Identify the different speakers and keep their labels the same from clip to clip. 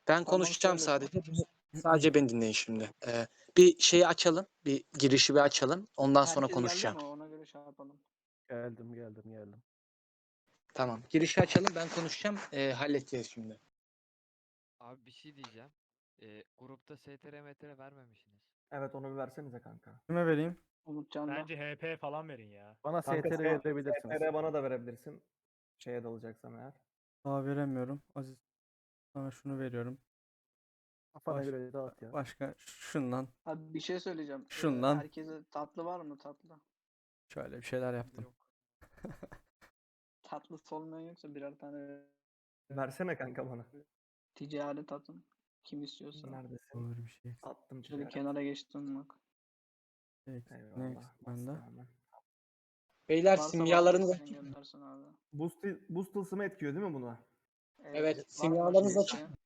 Speaker 1: Ben
Speaker 2: Tamam,
Speaker 1: konuşacağım
Speaker 2: söyle.
Speaker 1: sadece. Sadece beni dinleyin şimdi. Bir şeyi açalım. Bir girişi bir açalım. Ondan sonra
Speaker 2: Herkes geldi
Speaker 1: konuşacağım.
Speaker 2: ama ona göre şey yapalım.
Speaker 3: Geldim.
Speaker 1: Tamam. Girişi açalım. Ben konuşacağım. Halledeceğiz şimdi.
Speaker 4: Abi bir şey diyeceğim. Grupta STR MTR vermemişsiniz.
Speaker 5: Evet onu bir versenize kanka.
Speaker 6: Kime vereyim?
Speaker 2: Umutcan'da.
Speaker 7: Bence HP falan verin ya.
Speaker 3: Bana
Speaker 5: Kanka
Speaker 3: STR verebilirsiniz.
Speaker 5: STR bana da verebilirsin. Şeye dalacaksam eğer.
Speaker 6: Daha veremiyorum. Aziz, sana şunu veriyorum.
Speaker 3: Kafana
Speaker 6: Baş-
Speaker 3: göre dağıt ya.
Speaker 6: Başka şundan
Speaker 2: Abi bir şey söyleyeceğim.
Speaker 6: Şundan.
Speaker 2: Herkese tatlı var mı tatlı?
Speaker 6: şöyle bir şeyler yaptım.
Speaker 4: Yok.
Speaker 2: Tatlısı olmayan yoksa birer tane
Speaker 5: Versene kanka bana.
Speaker 2: ticaret atın. Kim istiyorsa.
Speaker 5: Neredesin?
Speaker 6: Olur bir şey.
Speaker 5: Attım
Speaker 2: Şöyle
Speaker 5: ticaret.
Speaker 2: kenara geçtim bak.
Speaker 6: Next
Speaker 5: Eyvallah.
Speaker 6: bende.
Speaker 5: bastım hemen.
Speaker 1: Beyler
Speaker 2: Varsa
Speaker 1: simyalarınızı
Speaker 2: başka
Speaker 1: açın.
Speaker 2: isteyen göndersin abi.
Speaker 5: Boost tılsımı etkiyor değil mi buna?
Speaker 1: Evet,
Speaker 2: var mı
Speaker 1: simyalarınızı
Speaker 2: başka
Speaker 1: açın.
Speaker 2: isteyen?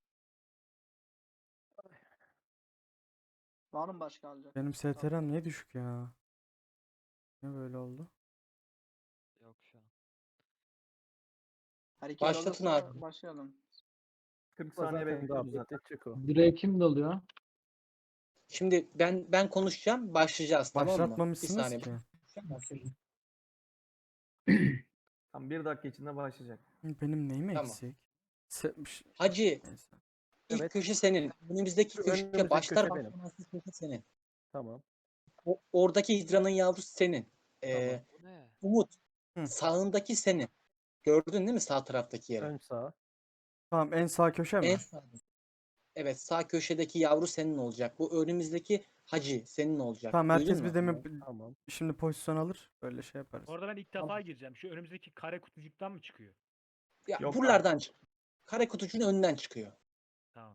Speaker 2: Var mı başka alacak?
Speaker 6: Benim STR'm niye düşük ya? Ne böyle oldu?
Speaker 4: Yok şu an.
Speaker 2: Herkes
Speaker 1: Başlatın
Speaker 2: alırsa
Speaker 1: abi.
Speaker 2: başlayalım.
Speaker 5: 40
Speaker 3: Zaten
Speaker 5: saniye
Speaker 3: daha
Speaker 5: bekliyoruz
Speaker 3: bitti
Speaker 5: zaten.
Speaker 3: çık o.
Speaker 8: Direğe kim dalıyor?
Speaker 1: Şimdi ben konuşacağım. Başlayacağız, tamam mı? Bir
Speaker 6: Başlatmamışsınız
Speaker 1: saniye.
Speaker 6: ki.
Speaker 5: Tam 1 dakika içinde başlayacak.
Speaker 6: Benim neyim
Speaker 1: Tamam.
Speaker 6: eksik?
Speaker 1: Hacı,
Speaker 6: Neyse.
Speaker 1: ilk
Speaker 3: Evet.
Speaker 1: köşe senin. Önümüzdeki
Speaker 3: Şu
Speaker 1: köşe
Speaker 3: önümüzdeki
Speaker 1: başlar
Speaker 3: köşe benim.
Speaker 1: başlamaz köşe senin.
Speaker 3: Tamam.
Speaker 1: Oradaki hidranın yavrusu senin.
Speaker 3: Tamam.
Speaker 4: Bu ne?
Speaker 1: Umut,
Speaker 6: Hı.
Speaker 1: sağındaki senin. Gördün değil mi sağ taraftaki yeri?
Speaker 3: Ön sağ.
Speaker 6: Tamam, en sağ köşe mi?
Speaker 1: En sağ. Evet, sağ köşedeki yavru senin olacak. Bu önümüzdeki hacı senin olacak.
Speaker 6: Tamam,
Speaker 1: Duydun
Speaker 6: herkes
Speaker 1: mu?
Speaker 6: bir demir
Speaker 3: Tamam.
Speaker 6: şimdi pozisyon alır. Böyle şey yaparız.
Speaker 7: Orada ben ilk defa gireceğim. Şu önümüzdeki kare kutucuktan mı çıkıyor?
Speaker 1: Ya,
Speaker 5: Yok
Speaker 1: buralardan çık. Kare kutucuğun önünden çıkıyor.
Speaker 7: Tamam.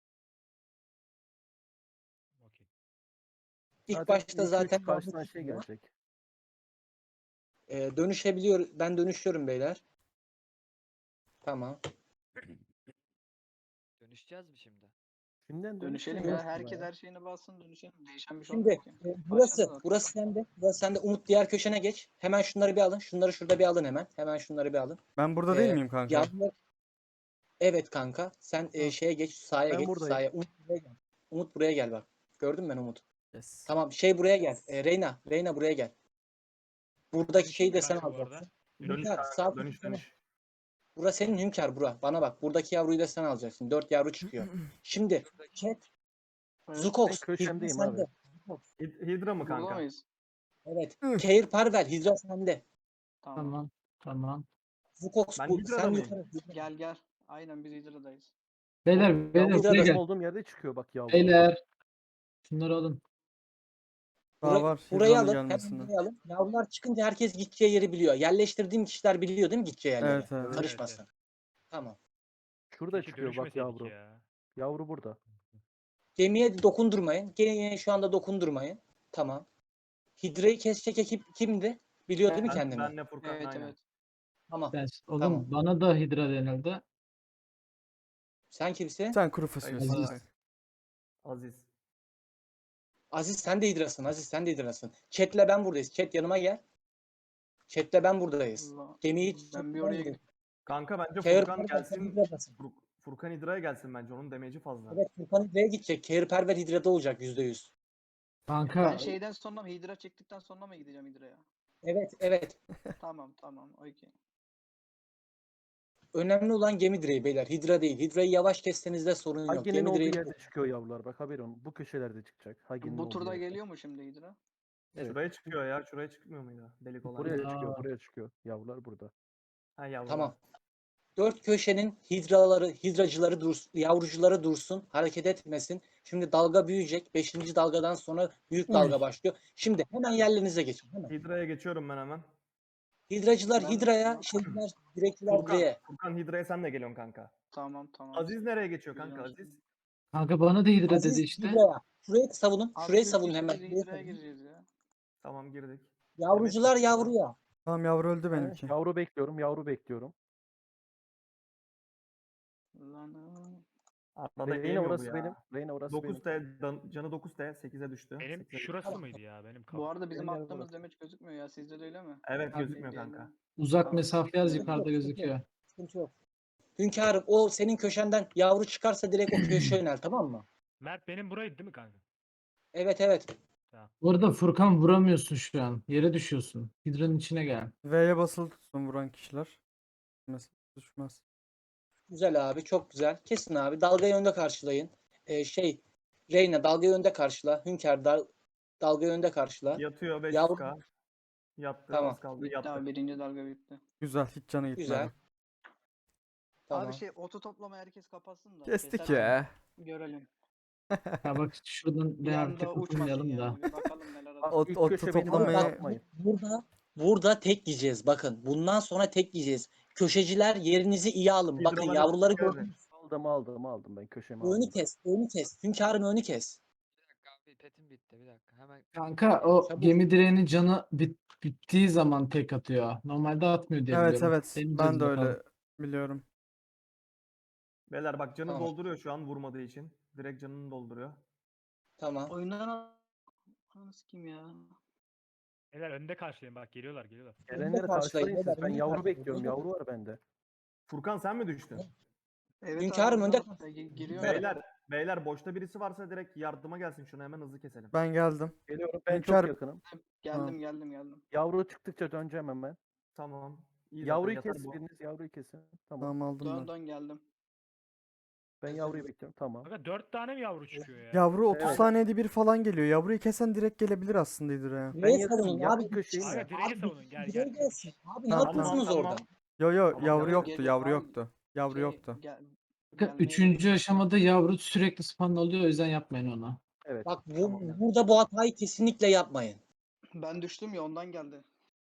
Speaker 7: Okey.
Speaker 1: İlk başta
Speaker 3: iki, üç
Speaker 1: zaten
Speaker 3: karşıdan
Speaker 1: yavru
Speaker 3: şey
Speaker 1: çıkıyor.
Speaker 3: gelecek.
Speaker 1: Dönüşebiliyor. Ben dönüşüyorum beyler. Tamam.
Speaker 4: Dönüşeceğiz mi şimdi?
Speaker 3: Şimdiden
Speaker 2: Dönüşelim
Speaker 3: dönüşmeyin
Speaker 2: ya.
Speaker 3: aslında
Speaker 2: Herkes
Speaker 3: ya.
Speaker 2: her şeyini bassın dönüşelim. Değişen bir şey
Speaker 1: Şimdi
Speaker 2: olmuyor ki.
Speaker 1: burası
Speaker 2: Başladı zaten.
Speaker 1: burası sende. Burası sende. Umut diğer köşene geç. Hemen şunları bir alın. Şunları şurada bir alın hemen. Hemen şunları bir alın.
Speaker 6: Ben burada değil
Speaker 1: Ee,
Speaker 6: miyim kanka?
Speaker 1: Yavrular... Evet kanka. Sen
Speaker 6: Hı.
Speaker 1: şeye geç. Sahaya
Speaker 3: Ben
Speaker 1: geç.
Speaker 3: buradayım.
Speaker 1: Sahaya. Umut buraya gel. Umut buraya gel bak. Gördün mü ben Umut?
Speaker 6: Yes.
Speaker 1: Tamam. Şey buraya gel. Reyna. Reyna buraya gel. Buradaki şeyi de sen
Speaker 7: Kanka bu arada.
Speaker 1: alacaksın.
Speaker 5: Dönüş
Speaker 1: Hünkar,
Speaker 5: kanka,
Speaker 1: sağ
Speaker 5: dönüş
Speaker 1: köşene.
Speaker 5: dönüş.
Speaker 1: Bura senin Hünkar bura. Bana bak. Buradaki yavruyu da sen alacaksın. 4 yavru çıkıyor. Şimdi chat.
Speaker 2: Evet.
Speaker 1: Zukox.
Speaker 3: Ben köşemdeyim
Speaker 1: Hidra
Speaker 3: abi.
Speaker 1: sende. Zukox.
Speaker 5: Hidra mı
Speaker 2: Burada
Speaker 5: kanka?
Speaker 2: mıyız?
Speaker 1: Evet.
Speaker 6: Hı.
Speaker 1: Keir Parvel. Hidra sende.
Speaker 2: Tamam.
Speaker 8: Tamam.
Speaker 1: Zukox
Speaker 5: Ben
Speaker 1: bu.
Speaker 5: Hidra'da
Speaker 1: Sen
Speaker 5: mıyım?
Speaker 1: yukarı.
Speaker 2: Gel gel. Aynen biz Hidra'dayız.
Speaker 8: Beyler
Speaker 3: Yavru
Speaker 8: beyler
Speaker 1: Hidra'da
Speaker 8: buraya
Speaker 3: benim
Speaker 8: gel.
Speaker 3: olduğum yerde çıkıyor bak yavru.
Speaker 8: Beyler. Şunları alın.
Speaker 6: Daha var.
Speaker 1: Burayı
Speaker 6: Hidranın
Speaker 1: alın. Hemen
Speaker 6: gelmesinden.
Speaker 1: burayı alın. Yavrular çıkınca herkes gideceği yeri biliyor. Yerleştirdiğim kişiler biliyor değil mi gideceği yerleri?
Speaker 6: Evet, evet.
Speaker 1: Karışmasın.
Speaker 7: Evet,
Speaker 1: Tamam.
Speaker 3: Şurada
Speaker 7: Keşke
Speaker 3: çıkıyor bak
Speaker 7: dönüşmeseydik
Speaker 3: yavru.
Speaker 7: ya.
Speaker 3: Yavru burada.
Speaker 1: Gemiye dokundurmayın. Gemiye şu anda dokundurmayın. Tamam. Hidra'yı kesecek ekip kimdi? Biliyor değil mi kendini?
Speaker 5: Benle Furkan
Speaker 2: Evet
Speaker 5: aynen.
Speaker 2: evet.
Speaker 1: Tamam.
Speaker 8: Oğlum
Speaker 1: Tamam.
Speaker 8: bana da hidra denildi.
Speaker 1: Sen kimsin?
Speaker 6: Sen kuru fasulyesin.
Speaker 2: Aziz.
Speaker 6: Hayır.
Speaker 5: Aziz.
Speaker 1: Aziz sen de Hidra'sın. Aziz sen de Hidra'sın. Chat'le ben buradayız. Chat yanıma gel. Chat'le ben buradayız.
Speaker 2: Allah.
Speaker 1: Gemiyi hiç
Speaker 2: Ben bir oraya gidip
Speaker 5: Kanka bence
Speaker 1: Keir
Speaker 5: Furkan
Speaker 1: Parvel sen
Speaker 5: gelsin.
Speaker 1: Hidra'dasın.
Speaker 5: Furkan Hidra'ya gelsin bence. Onun demeci fazla.
Speaker 1: Evet Furkan Hidra'ya gidecek. Keir Parvel Hidra'da olacak %100.
Speaker 8: Kanka
Speaker 2: ben şeyden sonra mı Hidra çektikten sonra mı gideceğim Hidra'ya?
Speaker 1: Evet evet.
Speaker 2: Tamam. Okey.
Speaker 1: Önemli olan gemi direği beyler. Hidra değil. Hidra'yı yavaş kesseniz de sorun yok.
Speaker 3: Hagi'nin
Speaker 1: Gemi
Speaker 3: olduğu
Speaker 1: direği
Speaker 3: yerde çıkıyor yavrular. Bak haberin olsun. Bu köşelerde çıkacak. Hagi'nin
Speaker 2: Bu
Speaker 3: olduğu
Speaker 2: turda
Speaker 3: yerde.
Speaker 2: geliyor mu şimdi Hidra?
Speaker 3: Evet.
Speaker 5: Şuraya çıkıyor ya. Şuraya çıkmıyor muydu? Delik olan.
Speaker 3: Buraya
Speaker 5: yer.
Speaker 3: çıkıyor.
Speaker 8: Aa.
Speaker 3: Buraya çıkıyor. Yavrular burada.
Speaker 5: Ha yavrular.
Speaker 1: Tamam. Dört köşenin hidracıları dursun, yavrucuları dursun, hareket etmesin. Şimdi dalga büyüyecek. 5. dalgadan sonra büyük dalga başlıyor. Şimdi hemen yerlerinize geçin. Hemen.
Speaker 5: Hidra'ya geçiyorum ben hemen.
Speaker 1: Hidracılar
Speaker 2: Ben-
Speaker 1: hidraya, şeyler, direkçiler direğe.
Speaker 5: Furkan Hidra'ya sen de geliyorsun kanka.
Speaker 2: Tamam.
Speaker 5: Aziz nereye geçiyor kanka
Speaker 2: Biliyorum.
Speaker 5: Aziz?
Speaker 8: kanka bana da hidra
Speaker 1: Aziz
Speaker 8: dedi işte.
Speaker 1: hidraya. Şurayı savunun.
Speaker 2: Abi
Speaker 1: Şurayı
Speaker 2: üç
Speaker 1: savunun
Speaker 2: kişi
Speaker 1: hemen.
Speaker 2: biz
Speaker 1: Şurayı
Speaker 2: Hidra'ya
Speaker 1: savunun.
Speaker 2: gireceğiz ya.
Speaker 5: Tamam girdik.
Speaker 1: Yavrucular
Speaker 5: Demet-
Speaker 1: yavruya.
Speaker 6: Tamam, yavru öldü benimki.
Speaker 3: Yavru bekliyorum. Yavru bekliyorum.
Speaker 2: Lan
Speaker 5: Arada
Speaker 3: Reyna
Speaker 5: yemiyor bu
Speaker 3: orası
Speaker 5: ya.
Speaker 3: benim. Reyna orası benim.
Speaker 5: 9T canı 9T 8'e düştü.
Speaker 7: Benim
Speaker 5: 8'e
Speaker 7: şurası
Speaker 5: düştü.
Speaker 7: mıydı ya? Benim
Speaker 2: bu arada bizim
Speaker 3: Gel
Speaker 2: attığımız
Speaker 3: burası.
Speaker 2: demeç gözükmüyor ya. Sizde de öyle mi?
Speaker 5: Evet
Speaker 8: Abi,
Speaker 5: gözükmüyor kanka.
Speaker 8: Uzak
Speaker 2: Tamam.
Speaker 8: mesafe yaz
Speaker 2: Sıkıntı
Speaker 8: yukarıda gözüküyor.
Speaker 1: Sıkıntı yok. Hünkârım o senin köşenden yavru çıkarsa direkt o köşeye yönel, tamam mı?
Speaker 7: Mert benim buraydı değil mi kanka?
Speaker 1: Evet evet.
Speaker 8: Bu arada Furkan vuramıyorsun şu an. Yere düşüyorsun. Hidra'nın içine gel.
Speaker 6: V'ye basılı tutsun vuran kişiler. Düşmez.
Speaker 1: Güzel abi, çok güzel. Kesin abi. Dalgayı önde karşılayın. Reyna dalgayı önde karşıla. Hünkâr dalgayı önde karşıla.
Speaker 5: Yatıyor 500k.
Speaker 1: Yavru
Speaker 5: Yattı,
Speaker 1: Tamam.
Speaker 5: az kaldı.
Speaker 2: Bitti
Speaker 5: Yattı.
Speaker 2: abi, birinci dalga bitti.
Speaker 6: Güzel hiç canı gitmedi.
Speaker 1: güzel. Tamam.
Speaker 2: Abi oto toplama herkes kapatsın da.
Speaker 6: Kestik
Speaker 2: keser
Speaker 6: ya.
Speaker 2: abi, görelim.
Speaker 8: Ya bak şuradan
Speaker 2: Bir
Speaker 8: bir
Speaker 2: anda
Speaker 8: artık
Speaker 2: uçmasın
Speaker 8: oturmayalım da.
Speaker 2: yani. Bir bakalım neler
Speaker 3: Bak,
Speaker 2: olacak.
Speaker 3: ilk
Speaker 6: Oto
Speaker 3: köşe benim
Speaker 6: toplamayı-
Speaker 3: orada
Speaker 1: Bak
Speaker 3: yapmayın.
Speaker 1: burada tek yiyeceğiz. Bakın bundan sonra tek yiyeceğiz. Köşeciler yerinizi iyi alın. Bakın
Speaker 5: Hidralara
Speaker 1: yavruları
Speaker 5: dikkat edin.
Speaker 1: gördünüz.
Speaker 3: Aldım ben köşemi
Speaker 1: Önü
Speaker 3: aldım.
Speaker 1: kes. Önü kes. Hünkârım önü kes.
Speaker 4: Bir dakika abi petim bitti bir dakika. Hemen
Speaker 8: Kanka o
Speaker 1: Çabuk.
Speaker 8: gemi direğinin canı bittiği zaman tek atıyor. Normalde atmıyor diye
Speaker 6: Evet
Speaker 8: biliyorum.
Speaker 6: evet.
Speaker 8: Deneyeceğiz
Speaker 6: Ben de
Speaker 8: bakalım.
Speaker 6: öyle biliyorum.
Speaker 5: Beyler bak canı
Speaker 1: Tamam.
Speaker 5: dolduruyor şu an vurmadığı için. Direkt canını dolduruyor.
Speaker 1: Tamam.
Speaker 2: Oyundan nasıl kim ya?
Speaker 7: Beyler önde karşılayın bak geliyorlar.
Speaker 3: Gelenleri
Speaker 1: karşılayın,
Speaker 3: karşılayın siz.
Speaker 1: beyler,
Speaker 3: Ben
Speaker 1: önü
Speaker 3: yavru
Speaker 1: karşılayın.
Speaker 3: bekliyorum. Yavru var bende.
Speaker 5: Furkan sen mi düştün?
Speaker 2: Evet
Speaker 1: Hünkârım,
Speaker 2: abi,
Speaker 1: önde
Speaker 2: oradan
Speaker 1: kal.
Speaker 2: giriyor.
Speaker 5: Beyler boşta birisi varsa direkt yardıma gelsin, şunu hemen hızlı keselim.
Speaker 6: Ben geldim.
Speaker 3: Geliyorum. Ben
Speaker 6: Hünkâr-
Speaker 3: çok yakınım.
Speaker 2: Geldim.
Speaker 3: Yavru çıktıkça döneceğim hemen.
Speaker 5: Tamam. İyi zaten,
Speaker 3: Yavruyu
Speaker 5: yatar
Speaker 3: kes
Speaker 5: bu.
Speaker 3: biriniz. Yavruyu kesin. Tamam.
Speaker 6: Tamam aldım ben.
Speaker 2: Dön geldim.
Speaker 3: Ben yavruyu bekliyorum. Tamam.
Speaker 7: Kanka 4 tane mi yavru çıkıyor ya?
Speaker 6: Yavru 30
Speaker 3: Evet.
Speaker 6: saniyede bir falan geliyor. Yavruyu kesen direkt gelebilir aslında Hidra'ya.
Speaker 3: Ben
Speaker 1: Neyi
Speaker 3: yakınım.
Speaker 1: savunun
Speaker 3: Yakın
Speaker 1: abi?
Speaker 3: köşeyi
Speaker 7: Abi
Speaker 3: mi?
Speaker 7: direği savunun gel
Speaker 1: Direği
Speaker 7: gel.
Speaker 1: gelsin. Abi ne
Speaker 6: Tamam,
Speaker 1: yapıyorsunuz
Speaker 5: tamam.
Speaker 1: orada?
Speaker 6: Yo yo
Speaker 5: Tamam,
Speaker 6: yavru
Speaker 5: yavru
Speaker 6: yoktu.
Speaker 2: geliyor
Speaker 6: Yavru
Speaker 2: abi.
Speaker 6: yoktu. Yavru
Speaker 2: Şey,
Speaker 6: yoktu.
Speaker 2: gel-
Speaker 8: Kanka,
Speaker 2: gelmeye
Speaker 8: üçüncü aşamada yavru sürekli spawn oluyor. O yüzden yapmayın onu.
Speaker 3: Evet.
Speaker 1: Bak
Speaker 5: Tamam.
Speaker 1: burada bu hatayı kesinlikle yapmayın.
Speaker 2: Ben düştüm ya, ondan geldi.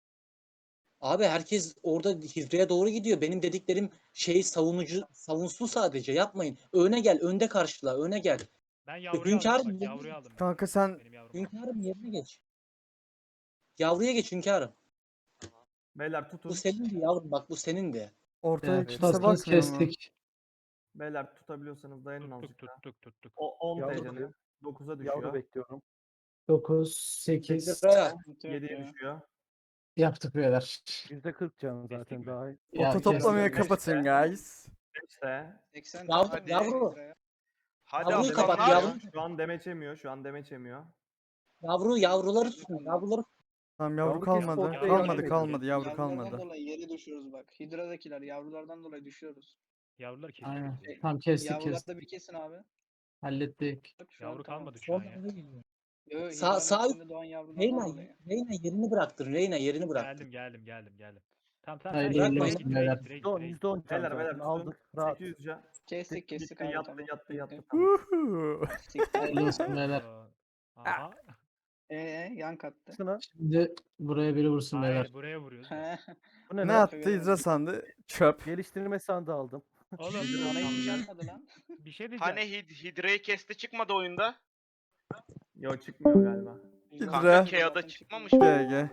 Speaker 1: Abi herkes orada Hidra'ya doğru gidiyor. Benim dediklerim savunsun sadece. Yapmayın. Öne gel. Önde karşıla. Öne gel.
Speaker 7: Ben yavruyu
Speaker 1: Hünkârım,
Speaker 7: aldım bak
Speaker 1: yerine
Speaker 7: yavruyu aldım ben.
Speaker 6: Kanka sen
Speaker 7: Benim yavrum.
Speaker 1: Hünkârım yerine geç. Yavruya geç hünkârım.
Speaker 5: Beyler tutun.
Speaker 1: Bu senindi yavrum. Bak bu senindi.
Speaker 6: ortada
Speaker 8: Yani
Speaker 6: kimse
Speaker 8: tutarsanız
Speaker 6: bakmıyor mu?
Speaker 8: kestik.
Speaker 5: Beyler tutabiliyorsanız dayanın azıcık daha.
Speaker 7: Tuttuk.
Speaker 5: O 10
Speaker 3: Yavru
Speaker 5: TC'nin
Speaker 3: diyor.
Speaker 5: 9'a
Speaker 3: Yavru
Speaker 5: düşüyor.
Speaker 3: bekliyorum.
Speaker 8: 9, 8
Speaker 1: Hidra'ya.
Speaker 2: Sıkıntı yok
Speaker 5: 7'ye
Speaker 2: ya.
Speaker 5: düşüyor.
Speaker 8: yaptık beyler.
Speaker 3: %40 can zaten
Speaker 7: Kestik mi?
Speaker 3: daha iyi.
Speaker 8: Ya,
Speaker 6: Oto toplamayı
Speaker 8: kestik.
Speaker 6: kapatın guys.
Speaker 5: 5'te.
Speaker 2: 80
Speaker 1: Yavru-
Speaker 2: tane
Speaker 1: yavru.
Speaker 2: Hidra'ya.
Speaker 9: Hadi
Speaker 1: Yavruyu kapat,
Speaker 9: aslanlar.
Speaker 1: yavru.
Speaker 5: Şu an demeç yemiyor. Şu an demeç yemiyor.
Speaker 1: Yavruları tutun. Yavruları
Speaker 6: Tamam yavru
Speaker 3: Yavru kes,
Speaker 6: kalmadı.
Speaker 3: ortaya
Speaker 7: yavru
Speaker 6: Kalmadı
Speaker 7: bekliyor.
Speaker 6: kalmadı yavru
Speaker 2: Yavrulardan
Speaker 6: kalmadı.
Speaker 2: dolayı yere düşüyoruz bak. Hidra'dakiler yavrulardan dolayı düşüyoruz.
Speaker 7: Yavrular kestik.
Speaker 8: Aynen.
Speaker 7: biz.
Speaker 8: Tamam kestik
Speaker 2: Yavruları
Speaker 8: kestik.
Speaker 2: da bir kesin abi.
Speaker 8: Hallettik.
Speaker 2: Bak, şu an
Speaker 7: Yavru
Speaker 2: tamam.
Speaker 7: kalmadı şu an
Speaker 1: Sonra
Speaker 7: ya.
Speaker 1: eve geliyor.
Speaker 2: Yo,
Speaker 1: Sağ-
Speaker 2: Hidra'nın
Speaker 1: sağ-
Speaker 2: içinde doğan yavrulardan
Speaker 1: Reyna
Speaker 2: dolayı.
Speaker 1: yerini bıraktın. Reyna yerini bıraktın.
Speaker 7: Geldim. Tamam
Speaker 8: Haydi
Speaker 7: sen
Speaker 1: bırakmayın.
Speaker 7: direkt,
Speaker 8: beyler.
Speaker 3: %10 %10 can
Speaker 5: Beyler
Speaker 3: zaten.
Speaker 5: tutun.
Speaker 3: Aldık. Rahat.
Speaker 5: 800 can.
Speaker 2: Kestik
Speaker 5: Gitti,
Speaker 2: abi,
Speaker 5: yattı
Speaker 2: tamam.
Speaker 5: yattı. Tamam.
Speaker 6: Uhu.
Speaker 8: Hayırlı olsun beyler.
Speaker 7: Aha.
Speaker 2: Yan kattı.
Speaker 3: Şuna.
Speaker 8: Şimdi buraya biri vursun beyler.
Speaker 7: Hayır buraya vuruyoruz.
Speaker 3: Bu ne
Speaker 6: Ne
Speaker 3: lan?
Speaker 6: attı Hidra sandı? Çöp.
Speaker 3: Geliştirme sandığı aldım.
Speaker 7: Oğlum
Speaker 2: Bana hiç gelmedi lan.
Speaker 7: bir şey diyeceğim.
Speaker 9: Hani Hidra'yı kesti çıkmadı oyunda.
Speaker 5: Yo çıkmıyor galiba.
Speaker 9: Kanka
Speaker 6: Hidra.
Speaker 9: KO'da çıkmamış.
Speaker 6: GG.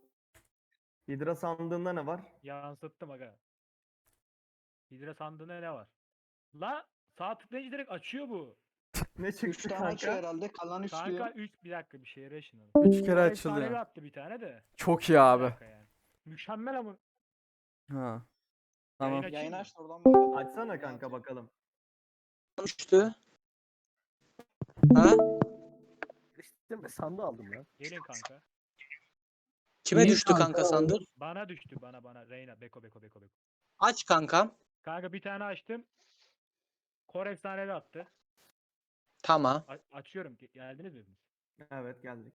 Speaker 5: Hidra sandığında ne var?
Speaker 7: Yansıttım aga. Hidra sandığında ne var? La sağ tıklayınca direkt açıyor bu.
Speaker 5: Ne
Speaker 2: 3
Speaker 5: çıktı
Speaker 2: tane açıyor
Speaker 5: kanka?
Speaker 2: herhalde. Kalan 3
Speaker 7: Kanka
Speaker 2: diyor.
Speaker 7: 3 bir dakika bir şeye reşin onu.
Speaker 6: 3 kere
Speaker 7: Efsanevi
Speaker 6: açılıyor.
Speaker 7: attı bir tane de.
Speaker 6: Çok iyi
Speaker 7: Bir
Speaker 6: abi.
Speaker 7: dakika yani. Mükemmel ama.
Speaker 6: Ha. Tamam.
Speaker 7: Yayın açayım
Speaker 2: Yayın
Speaker 7: mı?
Speaker 2: aç da oradan bakalım.
Speaker 5: Açsana kanka bakalım.
Speaker 1: Düştü. Ha?
Speaker 3: Geliştirme sandığı aldım ya.
Speaker 7: Gelin kanka.
Speaker 1: Kime
Speaker 8: İyi
Speaker 1: düştü
Speaker 8: kanka.
Speaker 1: kanka sandık?
Speaker 7: Bana düştü bana. Reyna Beko.
Speaker 1: Aç kankam.
Speaker 7: Kanka bir tane açtım. Kor efsanevi attı.
Speaker 1: Tamam.
Speaker 7: Açıyorum. Geldiniz mi hepiniz?
Speaker 5: Evet geldik.